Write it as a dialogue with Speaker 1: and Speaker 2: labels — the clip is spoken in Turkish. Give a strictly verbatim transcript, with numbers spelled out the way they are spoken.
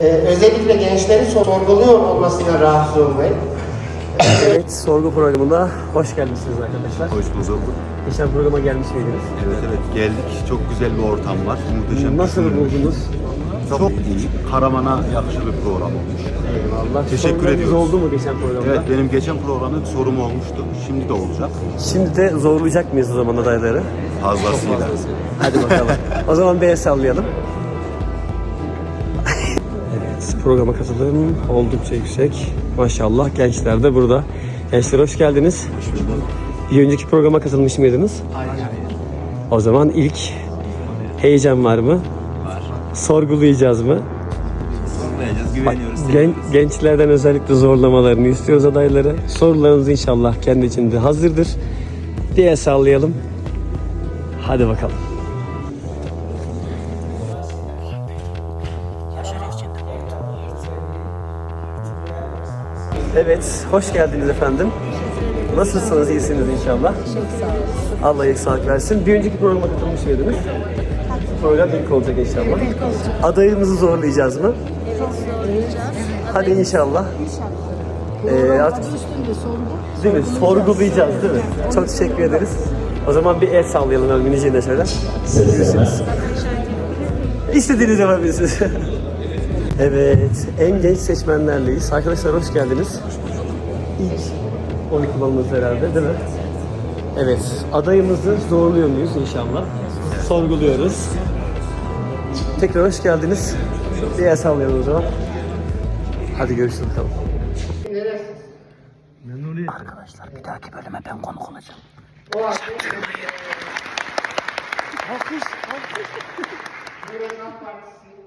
Speaker 1: Ee, özellikle gençlerin sorguluyor olmasına rahatsız olmayın.
Speaker 2: Evet, sorgu programına hoş gelmişsiniz arkadaşlar.
Speaker 3: Hoş bulduk.
Speaker 2: Geçen programa gelmiş miydiniz?
Speaker 3: Evet evet geldik. Çok güzel bir ortam var. Muhteşem.
Speaker 2: Nasıl buldunuz?
Speaker 3: Çok iyi. Karaman'a yakışır bir program olmuş.
Speaker 2: Eyvallah.
Speaker 3: Teşekkür
Speaker 2: Sorularınız
Speaker 3: ediyoruz.
Speaker 2: oldu mu geçen programda?
Speaker 3: Evet benim geçen programda bir sorum olmuştu. Şimdi de olacak.
Speaker 2: Şimdi de zorlayacak mıyız o zaman adayları?
Speaker 3: Fazlasıyla.
Speaker 2: Hadi bakalım. O zaman bir el sallayalım. Evet, programa katılım oldukça yüksek. Maşallah gençler de burada. Gençler hoş geldiniz.
Speaker 3: Hoş bulduk.
Speaker 2: Bir önceki programa katılmış mıydınız?
Speaker 3: Hayır.
Speaker 2: O zaman ilk heyecan var mı?
Speaker 3: Var.
Speaker 2: Sorgulayacağız mı?
Speaker 3: Sorgulayacağız. Güveniyoruz.
Speaker 2: Gen- gençlerden özellikle zorlamalarını istiyoruz adayları. Sorularınız inşallah kendi içinde hazırdır diye sallayalım. Hadi bakalım. Evet, hoş geldiniz efendim. Nasılsınız, iyisiniz inşallah? Allah iyilik sağlık versin. Bir önceki programa katılmış mıydınız? Program ilk olacak inşallah. Adayımızı zorlayacağız mı?
Speaker 4: Evet, zorlayacağız.
Speaker 2: Hadi inşallah.
Speaker 4: Ee,
Speaker 2: Ee, artık değil mi? Sorgulayacağız değil mi? Çok teşekkür ederiz. O zaman bir el sallayalım Ölmünici'yi de şöyle. Görüyorsunuz. İstediğiniz yapabilirsiniz. Evet, en genç seçmenlerleyiz. Arkadaşlar hoş geldiniz. İlk oy kullanımız herhalde değil mi? Evet, adayımızı zorluyor muyuz inşallah? Sorguluyoruz. Tekrar hoş geldiniz. Bir el sallayalım o zaman. Hadi görüşürüz bakalım. Arkadaşlar bir dahaki bölüme ben konuk olacağım.
Speaker 1: O halde... Alkış, alkış. Cumhuriyet Halk Partisi